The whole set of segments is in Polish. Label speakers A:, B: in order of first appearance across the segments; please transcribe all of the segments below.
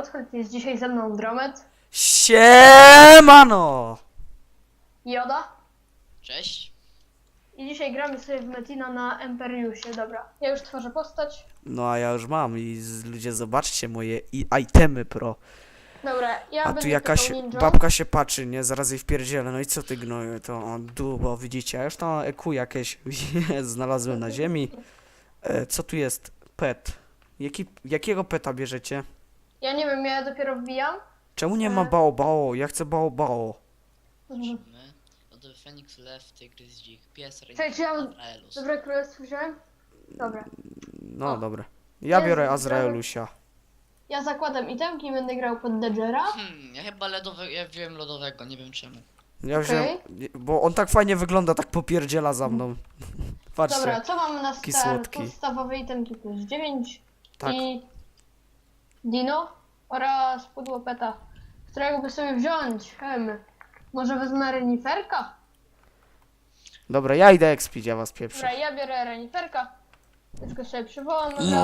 A: Lothhold, jest dzisiaj ze mną Dromet,
B: Siemano!
A: Joda
C: Cześć.
A: i dzisiaj gramy sobie w Metina na Emperiusie. Dobra, ja już tworzę postać.
B: No a ja już mam i ludzie zobaczcie moje itemy pro.
A: Dobra, ja
B: A
A: będę
B: tu jakaś
A: typał ninja.
B: babka się patrzy, nie? Zaraz jej wpierdzielę. No i co ty gnoju? To dubo, widzicie? Ja już tam EQ jakieś znalazłem na ziemi. Co tu jest? Pet. Jakiego peta bierzecie?
A: Ja nie wiem, ja dopiero wbijam.
B: Czemu nie ma bao? Ja chcę bao.
A: Mhm.
C: Lodowy Feniks, Lew, Tygrys, Dzik, Pies,
A: Czekaj, czy ja
C: Azraelus.
A: dobre królestwo wziąłem? Dobra,
B: No
A: O.
B: dobra. Ja
A: Jest,
B: biorę
A: dobra.
B: Azraelusia.
A: ja zakładam itemki i będę grał pod Dodgera.
C: Ja chyba ja wziąłem lodowego, nie wiem czemu.
B: Ja wziąłem, bo on tak fajnie wygląda, tak popierdziela za mną. Patrzcie.
A: Dobra, co mamy na
B: Taki
A: start?
B: słodki.
A: Podstawowe itemki plus 9
B: Tak.
A: i Dino oraz pudło peta, którego by sobie wziąć. Może wezmę reniferka?
B: Dobra, ja idę expić, ja was pieprzę.
A: Dobra, ja biorę reniferka. Już go sobie przywołam. od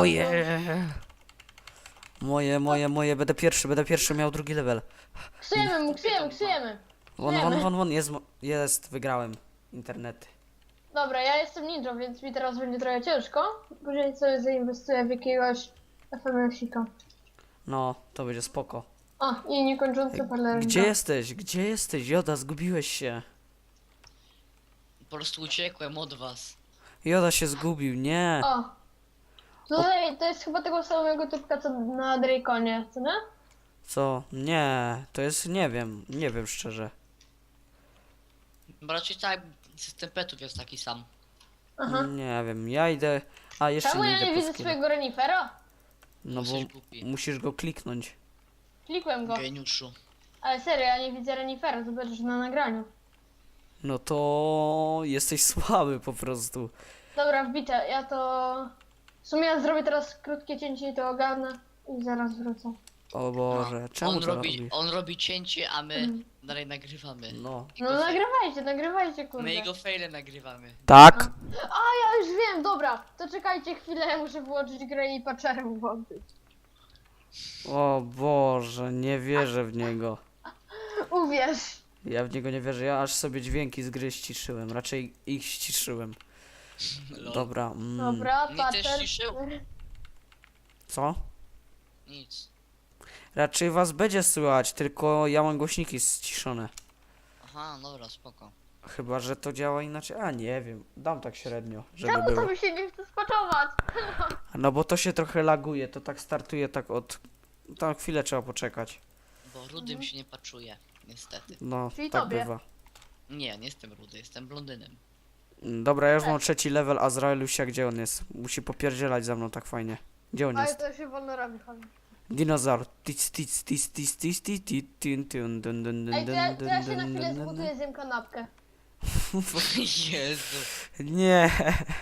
B: Moje, będę pierwszy, miał drugi level.
A: razu. Ksujemy.
B: Won, jest, wygrałem. Internety.
A: Dobra, ja jestem ninją, więc mi teraz będzie trochę ciężko. Później sobie zainwestuję w jakiegoś FMS-ika.
B: No, to będzie spoko.
A: O, i niekończący parler.
B: Gdzie jesteś, Joda, zgubiłeś się.
C: Po prostu uciekłem od was.
B: Joda się zgubił, nie.
A: O! Tutaj to jest chyba tego samego typka co na Draconie, co nie?
B: Co? Nie, to jest, nie wiem szczerze.
C: Bo raczej tak, system petów jest taki sam.
A: Aha.
B: Nie wiem, ja idę, a jeszcze
A: Czemu
B: nie
A: ja
B: idę
A: nie
B: po
A: widzę
B: skilla.
A: swojego renifera?
B: No bo
C: Jesteś głupi.
B: musisz go kliknąć.
A: Klikłem go.
C: Geniuszu.
A: Ale serio, ja nie widzę renifera, zobaczysz na nagraniu.
B: No to jesteś słaby po prostu.
A: Dobra, wbite, ja to... W sumie ja zrobię teraz krótkie cięcie i to ogarnę i zaraz wrócę.
B: O Boże, czemu
C: On
B: to
C: robi,
B: robisz?
C: on robi cięcie, a my
A: Mhm.
C: dalej nagrywamy.
B: No.
A: No nagrywajcie, kurde.
C: My jego faile nagrywamy.
B: Tak?
A: A, ja już wiem, dobra, to czekajcie chwilę, ja muszę wyłączyć grę i patcherem włączyć.
B: O Boże, nie wierzę w niego.
A: Uwierz.
B: Ja w niego nie wierzę, ja aż sobie dźwięki z gry ściszyłem, raczej ich ściszyłem.
C: Lol.
B: Dobra,
A: Dobra,
C: Mnie też
A: patcher.
C: ciszył?
B: co?
C: Nic.
B: Raczej was będzie słychać, tylko ja mam głośniki ściszone.
C: Aha, dobra, spoko.
B: Chyba, że to działa inaczej, a nie wiem, dam tak średnio, żeby
A: Czemu to
B: było.
A: mi się nie chce spaczować?
B: No bo to się trochę laguje, to tak startuje tak od... Tam chwilę trzeba poczekać.
C: Bo rudym się nie paczuje, niestety.
B: No,
A: Czyli
B: tak
A: tobie.
B: bywa.
C: Nie jestem rudy, jestem blondynem.
B: Dobra, ja już mam trzeci level Azraelusia, gdzie on jest? Musi popierdzielać za mną tak fajnie. Gdzie on
A: Ale
B: jest?
A: to się wolno robi, chodź.
B: Dinozaur. Dun.
A: Ej, to ja się na chwilę zbuduję, zjem kanapkę.
C: Jezu.
B: Nie.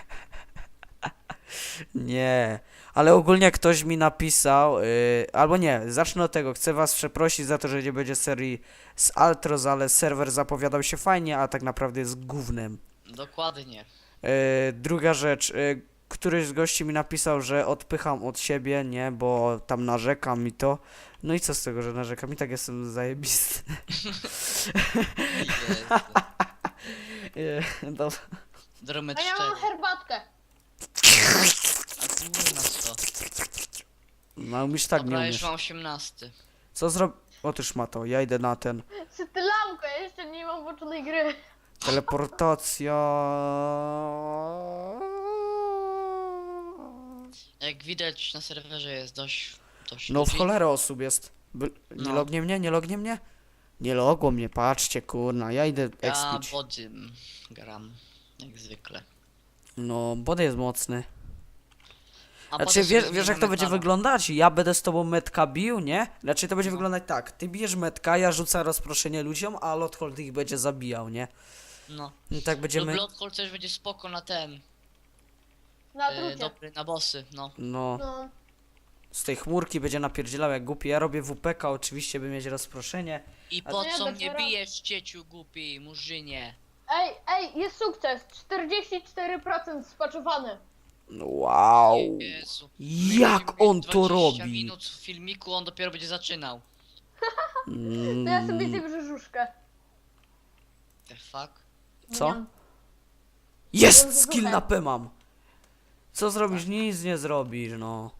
B: Nie. Ale ogólnie ktoś mi napisał, albo nie, zacznę od tego. Chcę was przeprosić za to, że nie będzie serii z Altros, ale serwer zapowiadał się fajnie, a tak naprawdę jest gównem.
C: Dokładnie.
B: Druga rzecz, któryś z gości mi napisał, że odpycham od siebie, nie, bo tam narzekam i to. No i co z tego, że narzekam? I tak jestem zajebisty.
C: Jezu.
B: Dobra.
C: Dromet
A: A ja mam
C: 4.
A: herbatkę.
C: A ty nie masz to.
B: No umiesz tak,
C: Dobra,
B: nie
C: już
B: umiesz.
C: mam 18.
B: Co zrobię? Otóż ma to, ja idę na ten.
A: Ty lampkę, ja jeszcze nie mam włączonej gry.
B: Teleportacja.
C: Jak widać na serwerze jest dość
B: No w
C: ludzi.
B: cholerę osób jest. Nie
C: No.
B: lognie mnie, nie lognie mnie? Nie logło mnie, patrzcie, kurna, ja idę
C: Ja
B: expić.
C: bodym gram, jak zwykle.
B: No, body jest mocny.
C: A
B: Znaczy,
C: potem
B: wiesz
C: sobie
B: jak to
C: zmieniamy
B: będzie
C: pana.
B: wyglądać? Ja będę z tobą metka bił, nie? Znaczy to będzie
C: No.
B: wyglądać tak. Ty bijesz metka, ja rzucam rozproszenie ludziom, a Lothhold ich będzie zabijał, nie?
C: No.
B: I tak będziemy...
C: Bloodcall też będzie spoko na ten.
A: Na trucie.
C: Dobry, na bossy, no.
B: No,
A: No.
B: z tej chmurki będzie napierdzielał jak głupi. Ja robię WPK oczywiście, by mieć rozproszenie.
C: I
B: A
C: po
A: to ja
C: co mnie
A: dopiero-
C: bijesz, cieciu głupi, murzynie?
A: Ej, jest sukces. 44% spaczowane.
B: Wow.
C: Jezu.
B: Jak
C: Będziemy
B: on
C: mieć
B: to
C: 20
B: robi?
C: minut w filmiku, on dopiero będzie zaczynał.
A: To ja sobie zjem brzuszkę.
C: The fuck?
B: Co?
A: Nie.
B: Jest!
A: Wiem,
B: Skill
A: słuchaj.
B: na P mam. Co zrobisz? Nic nie zrobisz, no.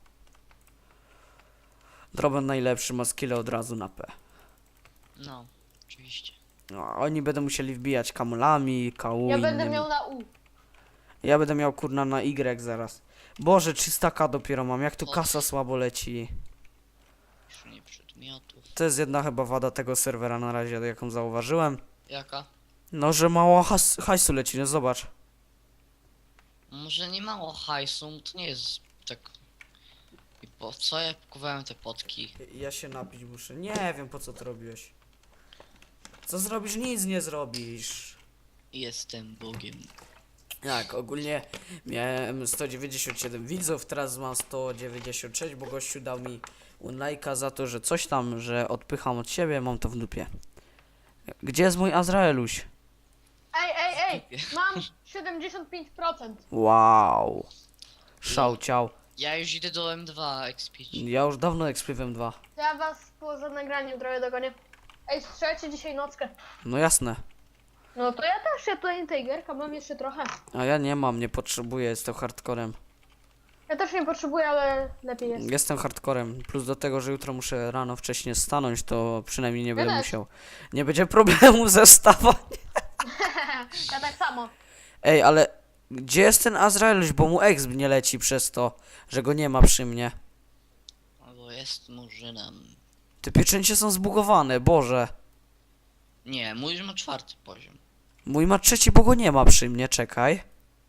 B: Droben najlepszy ma skille od razu na P.
C: No, oczywiście.
B: No, oni będą musieli wbijać kamulami, kału
A: Ja
B: innymi.
A: będę miał na U.
B: Ja będę miał kurna na Y zaraz. Boże, 300k dopiero mam, jak tu
C: O.
B: kasa słabo leci.
C: Piszenie przedmiotów.
B: To jest jedna chyba wada tego serwera na razie, jaką zauważyłem.
C: Jaka?
B: No, że mało hajsu leci, no zobacz.
C: Może nie mało hajsu, to nie jest tak... I po co ja kupowałem te potki?
B: Ja się napić muszę. Nie wiem, po co to robiłeś. Co zrobisz? Nic nie zrobisz.
C: Jestem Bogiem.
B: Tak, ogólnie miałem 197 widzów, teraz mam 196, bo gościu dał mi lajka za to, że coś tam, że odpycham od siebie, mam to w dupie. Gdzie jest mój Azraeluś?
A: Ej, mam 75%.
B: Wow. Szałciał.
C: Ja już idę do M2 expić.
B: Ja już dawno ekspywem 2.
A: To ja was poza nagraniem trochę dogonię. Ej, strzelcie dzisiaj nockę.
B: No jasne.
A: No to ja też, ja tutaj Tigerka mam jeszcze trochę.
B: A ja nie mam, nie potrzebuję, jestem hardcorem.
A: Ja też nie potrzebuję, ale lepiej jest.
B: Jestem hardcorem. Plus do tego, że jutro muszę rano wcześniej stanąć, to przynajmniej nie będę
A: też.
B: musiał. Nie będzie problemu ze wstawaniem.
A: Ja tak samo.
B: Ej, ale gdzie jest ten Azraeluś, bo mu exp nie leci przez to, że go nie ma przy mnie.
C: Albo jest murzynem.
B: Te pieczęcie są zbugowane, Boże.
C: Nie, mój już ma 4. poziom.
B: Mój ma 3, bo go nie ma przy mnie, czekaj.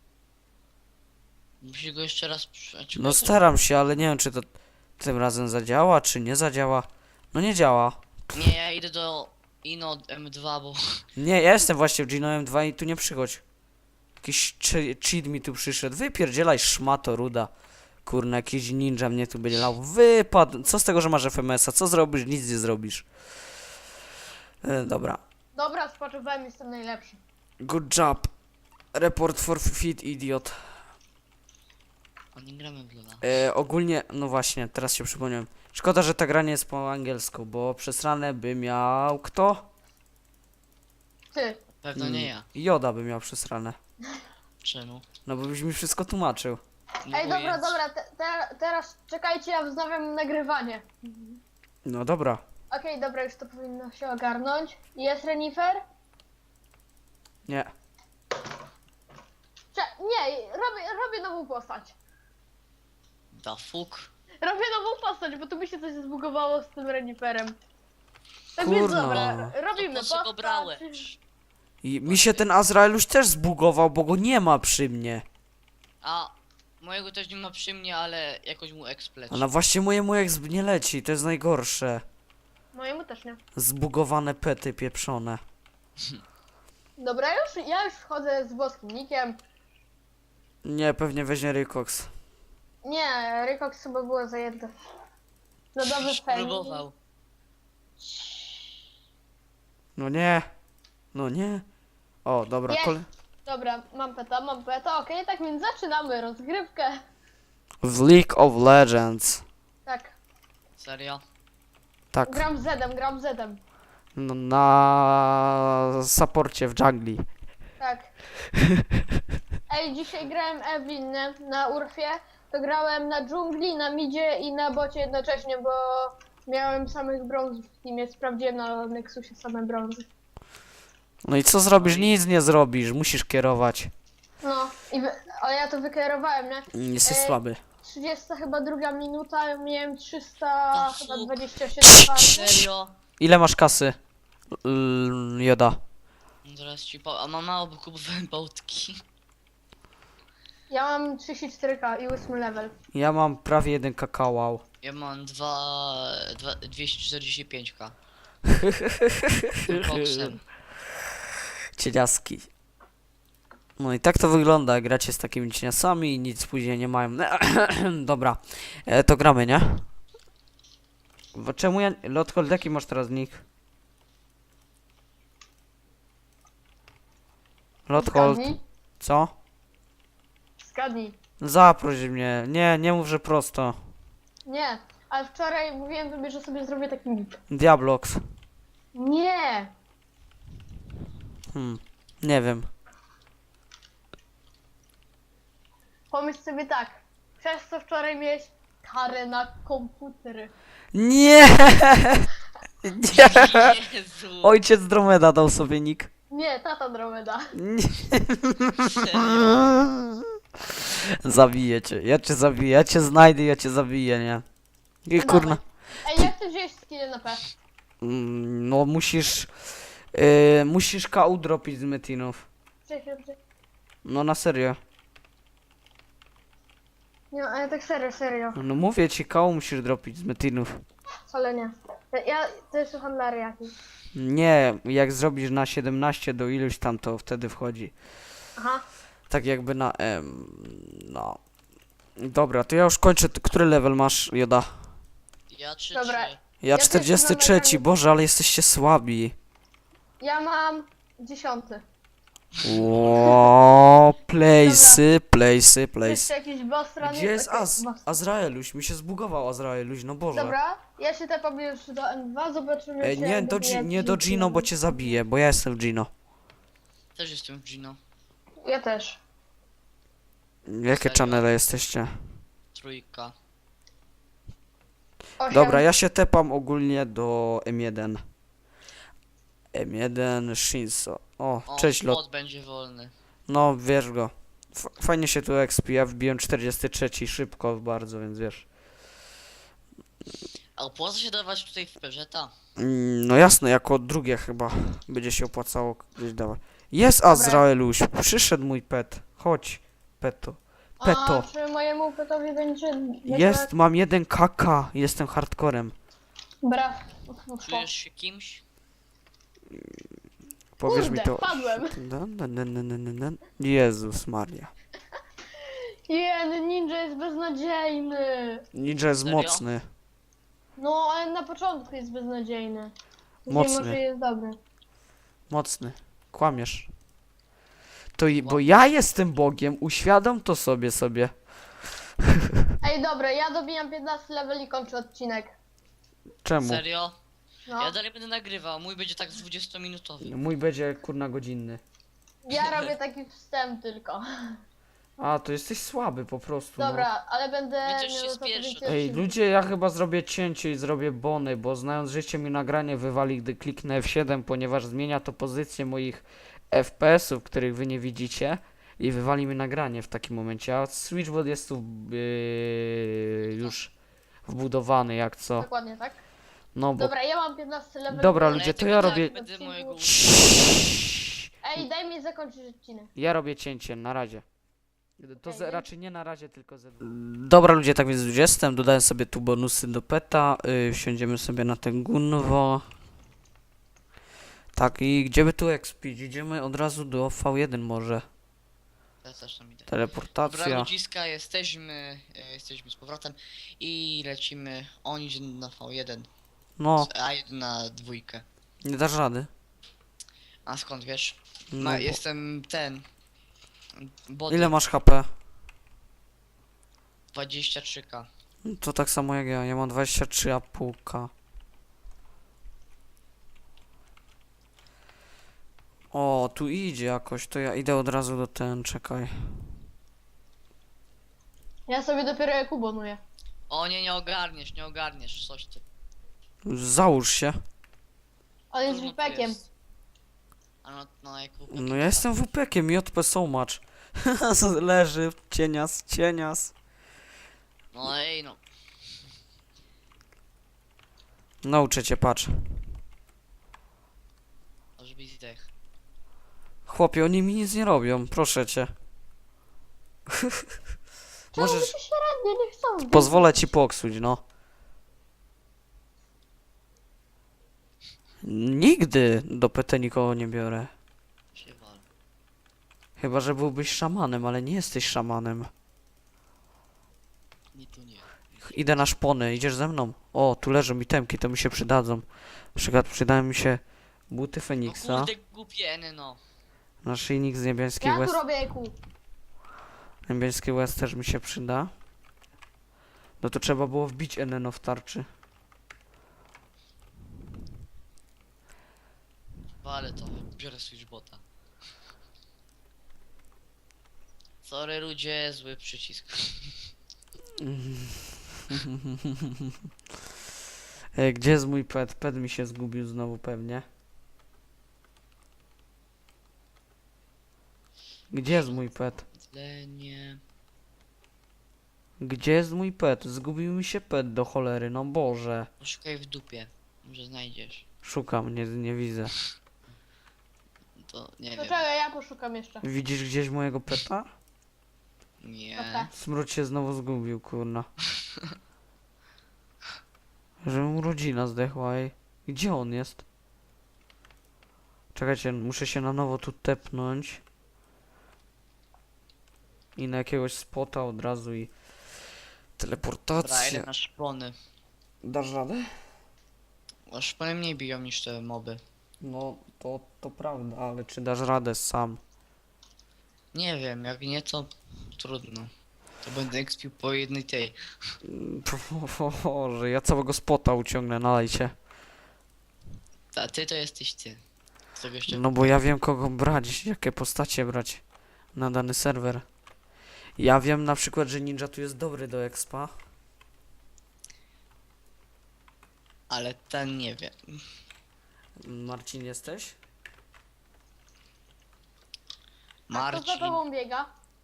C: Musi go jeszcze raz przejść.
B: No staram się, ale nie wiem, czy to tym razem zadziała, czy nie zadziała. No nie działa.
C: Nie, ja idę do Ino M2, bo...
B: Nie, ja jestem właśnie w Genoem 2 i tu nie przychodź. Jakiś cheat mi tu przyszedł. Wypierdzielaj, szmato ruda. Kurna, jakiś ninja mnie tu będzie lał. Wypadł. Co z tego, że masz FMS-a? Co zrobisz? Nic nie zrobisz. Dobra.
A: Dobra, spoczywałem, jestem najlepszy.
B: Good job. Report for fit, idiot.
C: A nie gramy w Lola.
B: Ogólnie, no właśnie, teraz się przypomniałem. Szkoda, że ta gra nie jest po angielsku, bo przesrane by miał kto?
A: Ty.
C: Pewno nie ja.
B: Joda by miał przesrane.
C: Czemu?
B: No bo byś mi wszystko tłumaczył.
C: No
A: Ej,
C: bo
A: dobra,
C: jest-
A: dobra, teraz czekajcie, ja wznawiam nagrywanie.
B: No dobra.
A: Okej, dobra, już to powinno się ogarnąć. Jest Renifer?
B: Nie.
A: Nie, robię nową postać.
C: Da fuck.
A: Robię nową postać, bo tu mi się coś zbugowało z tym Reniferem. Tak więc
B: Kurno.
A: dobra, robimy
C: To po co go
A: postać.
C: brałeś?
B: I mi się ten Azraeluś też zbugował, bo go nie ma przy mnie.
C: A mojego też nie ma przy mnie, ale jakoś mu ekspleć.
B: A no właśnie mojemu exp nie leci, to jest najgorsze.
A: Mojemu też nie.
B: Zbugowane pety pieprzone.
A: Dobra, ja już wchodzę z włoskim nikiem.
B: Nie, pewnie weźmie Rykox.
A: Nie, Rykox chyba było zajęte. No dobrze,
C: Próbował.
B: No nie. No nie. O, dobra,
A: Jest.
B: kole...
A: Dobra, mam peta, okej, tak więc zaczynamy rozgrywkę.
B: W League of Legends.
A: Tak,
C: Serio?
B: Tak.
A: gram Zedem.
B: No, na saporcie w jungli.
A: Tak. Ej, dzisiaj grałem Evelyn na Urfie, to grałem na dżungli, na midzie i na bocie jednocześnie, bo miałem samych brązów w teamie, sprawdziłem na Nexusie same brązy.
B: No i co zrobisz? Nic nie zrobisz, musisz kierować.
A: No, ale ja to wykierowałem, nie?
B: Jesteś słaby.
A: 30 chyba druga minuta, miałem 300
C: No,
A: chyba
C: fuk.
A: 27 farmy.
C: Serio?
B: Ile masz kasy? Joda.
C: No Zaraz ci po... A mam mało, bo kupowałem potki.
A: Ja mam 34k i 8 level.
B: Ja mam prawie 1 kakao.
C: Ja mam 245k. Tym koksem.
B: Cieniaski. No i tak to wygląda, gracie z takimi cieniasami i nic później nie mają. Dobra, to gramy, nie? Bo czemu ja... Lothold, jaki masz teraz nick? Lothold,
A: Zgadnij.
B: co?
A: Zgadnij.
B: Zaproś mnie. Nie, nie mów, że prosto.
A: Nie, ale wczoraj mówiłem tobie, że sobie zrobię taki nick.
B: Diablox.
A: Nie!
B: Nie wiem.
A: Pomyśl sobie tak. Przez co wczoraj miałeś karę na komputer.
B: Nie! Nie!
C: Jezu!
B: Ojciec Dromeda dał sobie nick.
A: Nie, tata Dromeda.
B: Nie.
C: Serio?
B: Zabiję cię, ja cię zabiję, ja cię znajdę, ja cię zabiję, nie? I
A: No
B: kurna.
A: Ej, jak ty wziąłeś skillę na P?
B: No musisz... musisz KU dropić z metinów.
A: Czekaj.
B: No na serio.
A: Nie, ale tak serio.
B: No mówię ci, KU musisz dropić z metinów.
A: Wcale nie. To jest handlar jakiś.
B: Nie, jak zrobisz na 17 do iluś tam, to wtedy wchodzi.
A: Aha.
B: Tak jakby na M. No. Dobra, to ja już kończę. Który level masz, Joda?
C: Ja 3
A: Dobra.
B: Ja
A: też
B: 43,
A: mam nagranie.
B: Boże, ale jesteście słabi.
A: Ja mam 10.
B: Ło, place'y.
A: Jeszcze jakiś boss run.
B: Gdzie jest
A: Okej,
B: Az?
A: boss.
B: Azraeluś, mi się zbugował Azraeluś, no Boże.
A: Dobra, ja się tepam już do N2, zobaczymy
B: Ej,
A: czy
B: nie,
A: dobije
B: nie do
A: jakiś
B: Gino, bo
A: level.
B: cię zabiję, bo ja jestem w Gino.
C: Też jestem w Gino.
A: Ja też.
B: Jakie
C: Serio?
B: channele jesteście?
C: 3.
A: 8.
B: Dobra, ja się tepam ogólnie do M1. M1 Shinso. O,
C: O,
B: cześć lot.
C: spot będzie wolny.
B: No, wiesz go. Fajnie się tu expi, ja wbiłem 43 szybko bardzo, więc wiesz.
C: A opłaca się dawać tutaj w Perzeta?
B: No jasne, jako drugie chyba będzie się opłacało gdzieś dawać. Jest Azraeluś, przyszedł mój pet. Chodź, peto. Peto.
A: A czy mojemu petowi będzie...
B: Jest, mam 1 KK, jestem hardcorem.
A: Bra.
C: Czujesz się kimś?
B: Powiesz
A: Kurde,
B: mi to.
A: padłem.
B: Jezus Maria.
A: Ninja jest beznadziejny.
B: Ninja jest
C: Serio?
B: mocny.
A: No, ale na początku jest beznadziejny. Później
B: Mocny.
A: może jest dobry.
B: Mocny. Kłamiesz. Bo ja jestem Bogiem, uświadom to sobie.
A: Ej, dobra, ja dobijam 15 level i kończę odcinek.
B: Czemu?
C: Serio?
A: No.
C: Ja dalej będę nagrywał, mój będzie tak z 20-minutowy.
B: Mój będzie kurna godzinny.
A: Ja robię taki wstęp tylko.
B: A, to jesteś słaby po prostu. No.
A: Dobra, ale będę
C: Mnie też się
A: miał za to
C: spieszy.
A: więcej
B: Ej,
A: odcinków.
B: ludzie, ja chyba zrobię cięcie i zrobię bony, bo znając życie mi nagranie wywali, gdy kliknę F7, ponieważ zmienia to pozycję moich FPS-ów, których wy nie widzicie i wywali mi nagranie w takim momencie, a Switchbot jest tu już wbudowany jak co.
A: Dokładnie, tak?
B: No bo...
A: Dobra, ja mam 15 level.
B: Dobra,
C: Ale
B: ludzie, to
C: tylko
B: ja
C: tak
B: robię...
C: będę mojego
A: Ej, daj mi zakończyć odcinek.
B: Ja robię cięcie, na razie. To
A: Okej,
B: raczej nie na razie, tylko ze... Dobra ludzie, tak więc 20, dodaję sobie tu bonusy do peta, wsiądziemy sobie na ten gunwo. Tak, i gdzie by tu expić? Idziemy od razu do V1 może.
C: Ja też tam idę. Dobra,
B: Teleportacja.
C: ludziska, jesteśmy z powrotem i lecimy. On idzie na V1,
B: No,
C: a jeden na 2.
B: nie dasz rady.
C: A skąd wiesz?
B: No, bo...
C: Jestem ten. Bot
B: Ile masz HP?
C: 23k.
B: To tak samo jak ja mam 23,5k. O, tu idzie jakoś, to ja idę od razu do ten, czekaj.
A: Ja sobie dopiero jak ubonuję.
C: O nie, nie ogarniesz, coś ty.
B: Załóż się.
A: On jest
C: Trudno tu
A: wipekiem.
C: jest. A no jak
B: No ja jestem WP-kiem, JP so much. Leży, cienias.
C: No ej no.
B: Nauczę cię, patrz.
C: Może być zdech.
B: Chłopie, oni mi nic nie robią, proszę cię.
A: Czemu
B: Możesz...
A: się średnio nie chcą?
B: Pozwolę ci poksuć, no. Nigdy do PT nikogo nie biorę.
C: Się wal.
B: Chyba, że byłbyś szamanem, ale nie jesteś szamanem.
C: Nie tu nie.
B: Idę na szpony, idziesz ze mną? O, tu leżą itemki, to mi się przydadzą. Na przykład przydają mi się buty
C: No
B: Feniksa,
C: kurde głupie no.
B: naszyjnik z niebieskich
A: Ja tu
B: łez.
A: robię EQ.
B: Niebieskie łez też mi się przyda. No to trzeba było wbić NNO w tarczy.
C: Ale to, biorę switchbota. Sorry ludzie, zły przycisk.
B: Gdzie jest mój pet? Pet mi się zgubił znowu pewnie. Gdzie jest mój pet?
C: Tlenie.
B: Gdzie jest mój pet? Zgubił mi się pet do cholery, no Boże.
C: Poszukaj w dupie. Może znajdziesz.
B: Szukam, nie widzę.
C: To nie
A: To
C: wiem.
A: czekaj, ja poszukam jeszcze.
B: Widzisz gdzieś mojego peta?
C: Nie.
A: Okej.
B: Smród się znowu zgubił, kurna. Że mu rodzina zdechła, ej. Gdzie on jest? Czekajcie, muszę się na nowo tu tepnąć. I na jakiegoś spota od razu i...
C: Dobra,
B: Teleportacja.
C: idę na szpony.
B: Dasz radę?
C: A szpony mniej biją niż te moby.
B: No, to prawda, ale czy dasz radę sam?
C: Nie wiem, jak nie to trudno. To będę ekspił po jednej tej.
B: Boże, ja całego spota uciągnę, nalejcie.
C: A ty to jesteś ty. Z tego jeszcze...
B: No bo ja wiem kogo brać, jakie postacie brać na dany serwer. Ja wiem na przykład, że ninja tu jest dobry do expa.
C: Ale ten nie wie.
B: Marcin jesteś?
A: A kto za
C: Marcin.
A: tobą biega?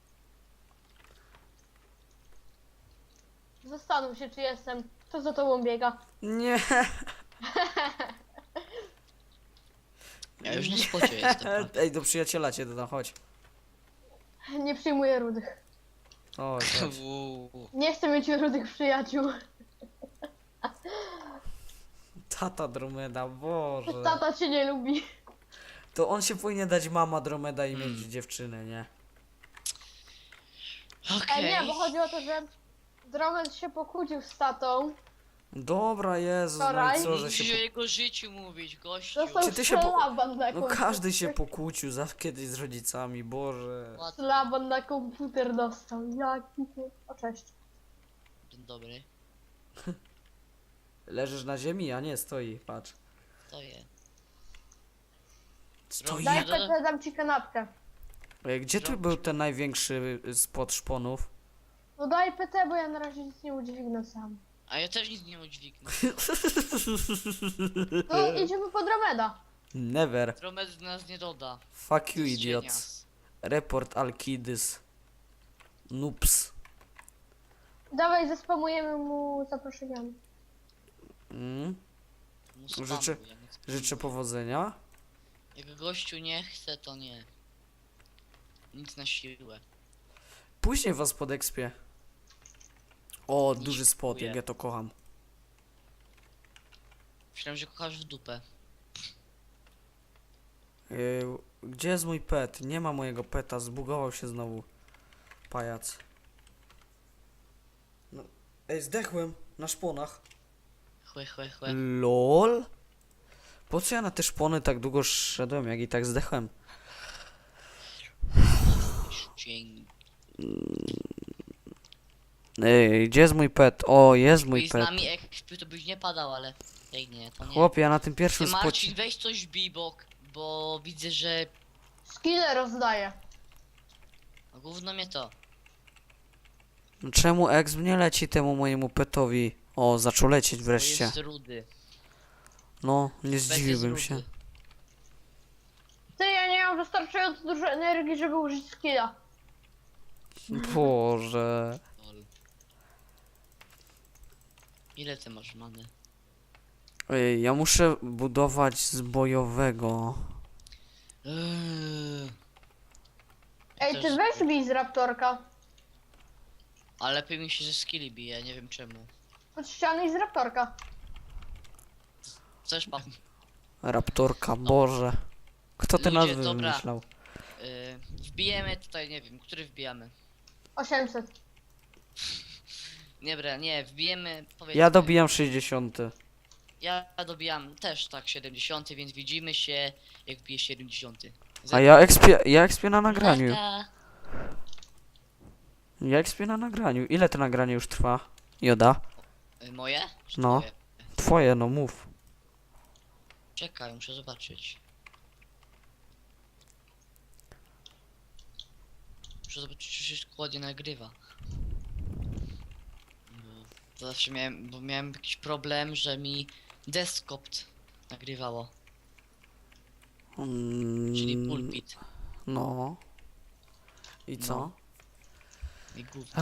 A: Zastanów się, czy jestem. Kto za tobą biega?
B: Nie.
C: Ja już na spocie jestem.
B: Ej, do przyjaciela cię dodam, chodź.
A: Nie przyjmuję rudych.
B: Chodź, chodź.
C: Uuu.
A: Nie chcę mieć rudych przyjaciół.
B: Tata Dromeda, Boże.
A: Tata cię nie lubi.
B: To on się powinien dać mama Dromeda i mieć dziewczynę, nie?
C: Okej.
A: Nie, bo chodzi o to, że Dromed się pokłócił z tatą.
B: Dobra, Jezus, no i
A: Wczoraj?
B: co, że
C: Musisz o
B: się...
C: jego życiu mówić, gościu.
A: Dostał
B: Czy ty się po-
A: szlaban na
B: No
A: komputer.
B: każdy się pokłócił kiedyś z rodzicami, Boże.
C: Ładny,
A: Szlaban na komputer dostał. Jaki ty... O, cześć.
C: dzień dobry.
B: Leżysz na ziemi, a nie stoi, patrz.
C: To je.
B: Stoi.
A: Daj
C: Nie,
A: PT, dam ci kanapkę.
B: Gdzie tu był ten największy spod szponów?
A: No daj PT, bo ja na razie nic nie udźwignę sam.
C: A ja też nic nie udźwignę.
A: No idziemy po Dromeda.
B: Never.
C: Dromed nas nie doda.
B: Fuck
C: To
B: you,
C: jest
B: idiots.
C: cienias.
B: Report Alkidys. Noobs.
A: Dawaj, zespamujemy mu zaproszeniami.
C: Mu spamuj,
B: Życzę-
C: ja nie chcę.
B: Życzę powodzenia.
C: Jak gościu nie chce, to nie. Nic na siłę.
B: Później was podekspię. O,
C: Nie
B: duży spot,
C: dziękuję.
B: jak ja to kocham.
C: Myślałem, że kochasz w dupę.
B: Gdzie jest mój pet? Nie ma mojego peta, zbugował się znowu. Pajac. No. Ej, zdechłem na szponach.
C: Chłe, chłe,
B: Mm.
C: chłe.
B: LOL? Po co ja na te szpony tak długo szedłem, jak i tak zdechłem?
C: Dzień.
B: Ej, gdzie jest mój pet? O, jest mój
C: I z
B: pet.
C: nami ekspił, to byś nie padał, ale... Ej, nie, to nie.
B: Chłopie, ja na tym
C: Ty
B: pierwszym
C: Marcin,
B: spocie...
C: weź coś bibok, bo widzę, że...
A: Skille rozdaję.
C: A gówno mnie to.
B: Czemu exp nie leci temu mojemu petowi? O, zaczął lecieć
C: To
B: wreszcie.
C: jest rudy.
B: No, nie
C: Pet jest
B: zdziwiłbym się.
C: rudy.
A: Ty, ja nie mam wystarczająco dużo energii, żeby użyć skilla.
B: Boże.
C: Lol. Ile ty masz many?
B: Ej, ja muszę budować z bojowego.
A: Ej,
C: Też
A: ty weź bij z Raptorka.
C: Ale lepiej mi się ze skilli bije, nie wiem czemu.
A: Pod ściany i z Raptorka.
C: Chcesz pan?
B: Raptorka, Boże. Kto te
C: Ludzie,
B: nazwy
C: dobra.
B: wymyślał?
C: Wbijemy tutaj, nie wiem, który wbijamy?
A: 800.
C: Dobra, nie, wbijemy, powiedzmy...
B: Ja dobijam 60.
C: Ja dobijam też tak 70, więc widzimy się jak wbije 70.
B: A ja expię na nagraniu.
C: Narka.
B: Ja ekspię na nagraniu. Ile to nagranie już trwa? Joda?
C: Moje? Czy
B: No.
C: twoje?
B: Twoje, no mów.
C: Czekaj, muszę zobaczyć. Muszę zobaczyć, czy się ładnie nagrywa. Bo zawsze miałem jakiś problem, że mi Desktop nagrywało, czyli pulpit.
B: No. I co?
C: No. I gówno.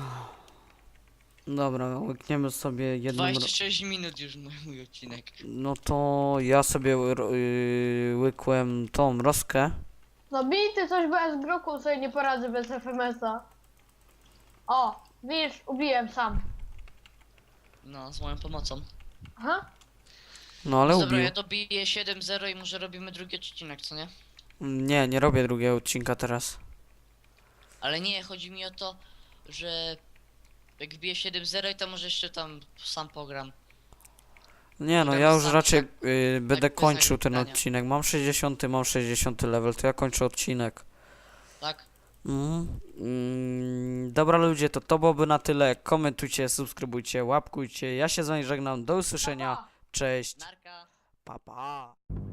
B: Dobra, łykniemy sobie jedną...
C: 26 minut już mój odcinek.
B: No to ja sobie łykłem tą roskę.
A: No bity coś, bo ja z Groku sobie nie poradzę bez FMS-a. O, widzisz, ubiłem sam.
C: No, z moją pomocą.
A: Aha.
B: No ale
C: Dobra,
B: ubił.
C: ja dobiję 7-0 i może robimy drugi odcinek, co nie?
B: Nie, nie robię drugiego odcinka teraz.
C: Ale nie, chodzi mi o to, że jak wbiję 7-0 i to może jeszcze tam sam pogram.
B: Nie no,
C: Robię
B: ja już
C: sam,
B: raczej
C: tak-
B: będę
C: tak bez
B: kończył ten
C: nagrywania.
B: odcinek. Mam 60 level, to ja kończę odcinek.
C: Tak?
B: Dobra ludzie, to byłoby na tyle. Komentujcie, subskrybujcie, łapkujcie. Ja się z wami żegnam. Do usłyszenia.
A: Pa, pa.
B: Cześć.
C: Narka.
B: Pa pa.